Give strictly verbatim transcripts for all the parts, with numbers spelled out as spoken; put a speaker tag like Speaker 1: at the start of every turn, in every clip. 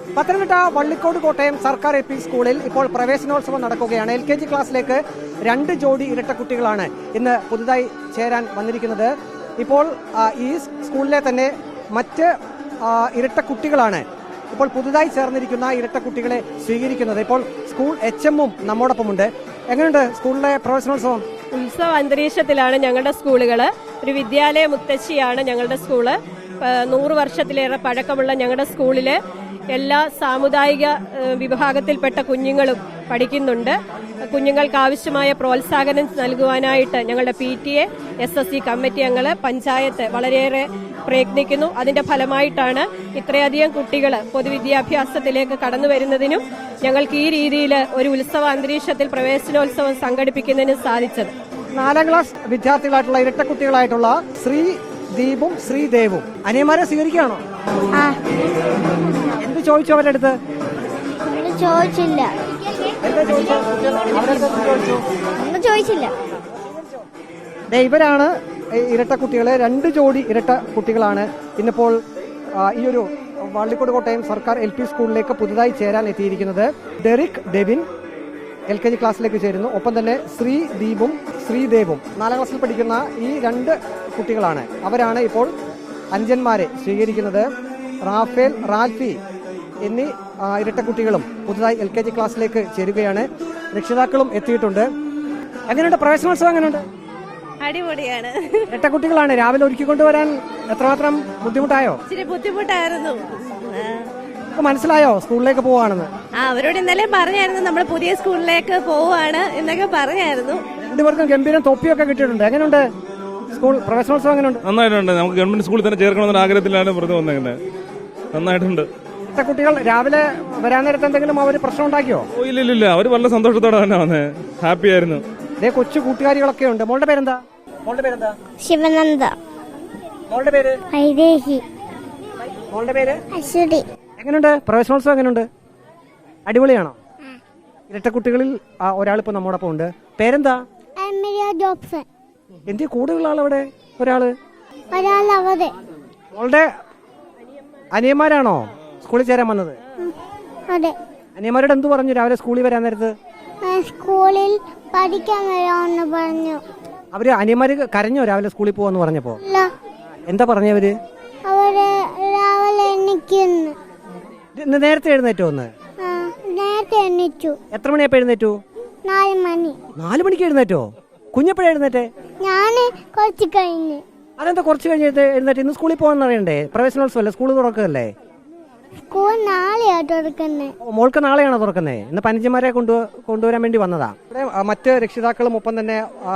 Speaker 1: പത്തനംതിട്ട വള്ളിക്കോട് കോട്ടയം സർക്കാർ L P സ്കൂളിൽ ഇപ്പോൾ പ്രവേശനോത്സവം നടക്കുകയാണ്. എൽ കെ ജി ക്ലാസ്സിലേക്ക് രണ്ട് ജോഡി ഇരട്ട കുട്ടികളാണ് ഇന്ന് പുതുതായി ചേരാൻ വന്നിരിക്കുന്നത്. ഇപ്പോൾ ഈ സ്കൂളിലെ തന്നെ മറ്റ് ഇരട്ട കുട്ടികളാണ് ഇപ്പോൾ പുതുതായി ചേർന്നിരിക്കുന്ന ഇരട്ട കുട്ടികളെ സ്വീകരിക്കുന്നത്. ഇപ്പോൾ സ്കൂൾ എച്ച് എമ്മും നമ്മോടൊപ്പമുണ്ട്. എങ്ങനെയുണ്ട് സ്കൂളിലെ പ്രവേശനോത്സവം?
Speaker 2: ഉത്സവ അന്തരീക്ഷത്തിലാണ് ഞങ്ങളുടെ സ്കൂളുകൾ. ഒരു വിദ്യാലയ മുത്തശ്ശിയാണ് ഞങ്ങളുടെ സ്കൂള്. നൂറ് വർഷത്തിലേറെ പഴക്കമുള്ള ഞങ്ങളുടെ സ്കൂളില് എല്ലാ സാമുദായിക വിഭാഗത്തിൽപ്പെട്ട കുഞ്ഞുങ്ങളും പഠിക്കുന്നുണ്ട്. കുഞ്ഞുങ്ങൾക്ക് ആവശ്യമായ പ്രോത്സാഹനം നൽകുവാനായിട്ട് ഞങ്ങളുടെ P T A, S S C committee അംഗങ്ങള്, പഞ്ചായത്ത് വളരെയേറെ പ്രയത്നിക്കുന്നു. അതിന്റെ ഫലമായിട്ടാണ് ഇത്രയധികം കുട്ടികൾ പൊതുവിദ്യാഭ്യാസത്തിലേക്ക് കടന്നു വരുന്നതിനും ഞങ്ങൾക്ക് ഈ രീതിയിൽ ഒരു ഉത്സവ അന്തരീക്ഷത്തിൽ പ്രവേശനോത്സവം സംഘടിപ്പിക്കുന്നതിനും സാധിച്ചത്.
Speaker 1: നാലാം ക്ലാസ് വിദ്യാർത്ഥികളായിട്ടുള്ള ഇരട്ട കുട്ടികളായിട്ടുള്ള ശ്രീ ദീപും ശ്രീദേവും അനിയന്മാരെ സ്വീകരിക്കുകയാണോ? എന്ത് ചോദിച്ചു അവരുടെ അടുത്ത്?
Speaker 3: ചോദിച്ചില്ല ചോദിച്ചില്ല
Speaker 1: ഇവരാണ് ഇരട്ട കുട്ടികളെ രണ്ട് ജോഡി ഇരട്ട കുട്ടികളാണ് ഇന്നിപ്പോൾ ഈ ഒരു വള്ളിക്കോട് കോട്ടയം സർക്കാർ എൽ പി സ്കൂളിലേക്ക് പുതുതായി ചേരാൻ എത്തിയിരിക്കുന്നത്. Derrick Devin L K G ക്ലാസ്സിലേക്ക് ചേരുന്നു. ഒപ്പം തന്നെ ശ്രീ ദീപും ശ്രീദേവും നാലാം ക്ലാസ്സിൽ പഠിക്കുന്ന ഈ രണ്ട് കുട്ടികളാണ്. അവരാണ് ഇപ്പോൾ അഞ്ചന്മാരെ സ്വീകരിക്കുന്നത്. റാഫേൽ, റാൽഫി എന്നീ ഇരട്ട കുട്ടികളും പുതുതായി എൽ കെ ജി ക്ലാസ്സിലേക്ക് ചേരുകയാണ്. രക്ഷിതാക്കളും എത്തിയിട്ടുണ്ട്. എങ്ങനെയുണ്ട് പ്രവേശനോത്സവം? എങ്ങനെയുണ്ട്?
Speaker 4: അടിപൊളിയാണ്.
Speaker 1: ഇരട്ട കുട്ടികളാണ് രാവിലെ ഒരുക്കിക്കൊണ്ടുവരാൻ എത്രമാത്രം ബുദ്ധിമുട്ടായോ?
Speaker 4: ഇച്ചിരി ബുദ്ധിമുട്ടായിരുന്നു.
Speaker 1: മനസ്സിലായോ സ്കൂളിലേക്ക് പോവാണെന്ന്?
Speaker 4: ആ, അവരോട് ഇന്നലെ പറഞ്ഞായിരുന്നു നമ്മൾ പുതിയ സ്കൂളിലേക്ക് പോവാണ് എന്നൊക്കെ പറഞ്ഞായിരുന്നു.
Speaker 1: രണ്ടുപേർക്കും ഗംഭീരം തൊപ്പിയൊക്കെ കിട്ടിയിട്ടുണ്ട്. എങ്ങനെയുണ്ട് സ്കൂൾ പ്രവേശനോത്സവം? എങ്ങനെയുണ്ട്?
Speaker 5: നന്നായിട്ടുണ്ട്. നമുക്ക് ഗവൺമെന്റ് സ്കൂളിൽ തന്നെ ചേർക്കണമെന്ന ആഗ്രഹത്തിലാണ് പുറത്ത് വന്നത്. നന്നായിട്ടുണ്ട്.
Speaker 1: കുട്ടികൾ രാവിലെ വരാൻ നേരത്തെ എന്തെങ്കിലും അവർ പ്രശ്നം ഉണ്ടാക്കിയോ?
Speaker 5: ഇല്ല ഇല്ല, അവർ വളരെ സന്തോഷത്തോടെ തന്നെ വന്നേ. ഹാപ്പി ആയിരുന്നു.
Speaker 1: ഇതേ കൊച്ചു കൂട്ടുകാരികളൊക്കെ ഉണ്ട്. മോളുടെ പേരെന്താ? മോളുടെ പേരെന്താ?
Speaker 3: ശിവനന്ദ.
Speaker 1: മോളുടെ പേര്?
Speaker 3: ഐദേഹി.
Speaker 1: മോളുടെ പേര്?
Speaker 3: അശ്വതി.
Speaker 1: എങ്ങനെയുണ്ട് പ്രവേശനോത്സവം? എങ്ങനെയുണ്ട്? അടിപൊളിയാണോ? ഇരട്ട കുട്ടികളിൽ ഒരാളിപ്പോ നമ്മോടൊപ്പം ഉണ്ട്. പേരെന്താ?
Speaker 3: ജോബ്സൺ.
Speaker 1: എന്ത് കൂടുതലുള്ള ആളവിടെ? ഒരാള്
Speaker 3: ഒരാളവിടെ.
Speaker 1: മോളുടെ അനിയന്മാരാണോ സ്കൂളിൽ ചേരാൻ വന്നത്?
Speaker 3: അതെ.
Speaker 1: അനിയന്മാരോട് എന്ത് പറഞ്ഞു രാവിലെ സ്കൂളിൽ വരാൻ നേരത്ത്?
Speaker 3: സ്കൂളിൽ പഠിക്കാൻ വരാമെന്ന് പറഞ്ഞു.
Speaker 1: അവര് അനിയന്മാര് കരഞ്ഞോ രാവിലെ സ്കൂളിൽ പോവാന്ന് പറഞ്ഞപ്പോ? എന്താ പറഞ്ഞവര്?
Speaker 3: അവര് രാവിലെ എണ്ണിക്കുന്നു.
Speaker 1: നേരത്തെ എഴുന്നേറ്റോ? ഒന്ന്
Speaker 3: നേരത്തെ എണ്ണിച്ചു.
Speaker 1: എത്ര മണിയപ്പോ എഴുന്നേറ്റു?
Speaker 3: നാല് മണി.
Speaker 1: നാല് മണിക്ക് എഴുന്നേറ്റോ? കുഞ്ഞപ്പോഴേ എഴുന്നേറ്റേ?
Speaker 3: ഞാന് കുറച്ച് കഴിഞ്ഞ്.
Speaker 1: അതെന്താ കുറച്ച് കഴിഞ്ഞ് എഴുന്നേറ്റ്? ഇന്ന് സ്കൂളിൽ പോകാൻ അറിയണ്ടേ? പ്രവേശനോത്സവം അല്ലേ? സ്കൂൾ തുറക്കല്ലേ?
Speaker 3: സ്കൂൾ നാളെയാ തുറക്കുന്നേ.
Speaker 1: മോൾക്ക് നാളെയാണോ തുറക്കുന്നേ? ഇന്ന് പഞ്ചന്മാരെ കൊണ്ടു കൊണ്ടുവരാൻ വേണ്ടി വന്നതാ. മറ്റ് രക്ഷിതാക്കളും ഒപ്പം തന്നെ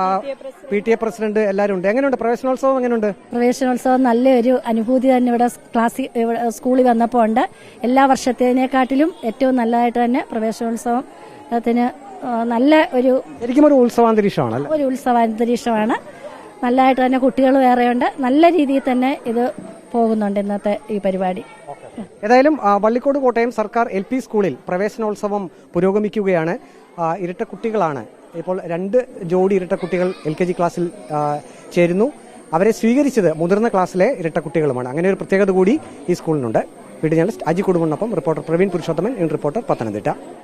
Speaker 1: പി ടി എ പ്രസിഡന്റ് എല്ലാവരും ഉണ്ട്. എങ്ങനെയുണ്ട് പ്രവേശനോത്സവം? എങ്ങനെയുണ്ട്?
Speaker 6: പ്രവേശനോത്സവം നല്ലൊരു അനുഭൂതി തന്നെ ഇവിടെ ക്ലാസ് സ്കൂളിൽ വന്നപ്പോൾ ഉണ്ട്. എല്ലാ വർഷത്തേനേക്കാട്ടിലും ഏറ്റവും നല്ലതായിട്ട് തന്നെ പ്രവേശനോത്സവത്തിന് നല്ല ഒരു
Speaker 1: ശരിക്കും ഒരു ഉത്സവാന്തരീക്ഷമാണ്.
Speaker 6: ഒരു ഉത്സവാന്തരീക്ഷമാണ്. നല്ലതായിട്ട് തന്നെ കുട്ടികൾ വേറെയുണ്ട്. നല്ല രീതിയിൽ തന്നെ ഇത് പോകുന്നുണ്ട് ഇന്നത്തെ ഈ പരിപാടി.
Speaker 1: ഏതായാലും വള്ളിക്കോട് കോട്ടയം സർക്കാർ എൽ പി സ്കൂളിൽ പ്രവേശനോത്സവം പുരോഗമിക്കുകയാണ്. ഇരട്ട കുട്ടികളാണ് ഇപ്പോൾ രണ്ട് ജോഡി ഇരട്ട കുട്ടികൾ എൽ കെ ജി ക്ലാസ്സിൽ ചേരുന്നു. അവരെ സ്വീകരിച്ചത് മുതിർന്ന ക്ലാസ്സിലെ ഇരട്ട കുട്ടികളുമാണ്. അങ്ങനെ ഒരു പ്രത്യേകത കൂടി ഈ സ്കൂളിനുണ്ട്. വീഡിയോ ജേർണലിസ്റ്റ് അജി കുടുംബനൊപ്പം reporter Praveen Purushothaman, in reporter, Pathanamthitta.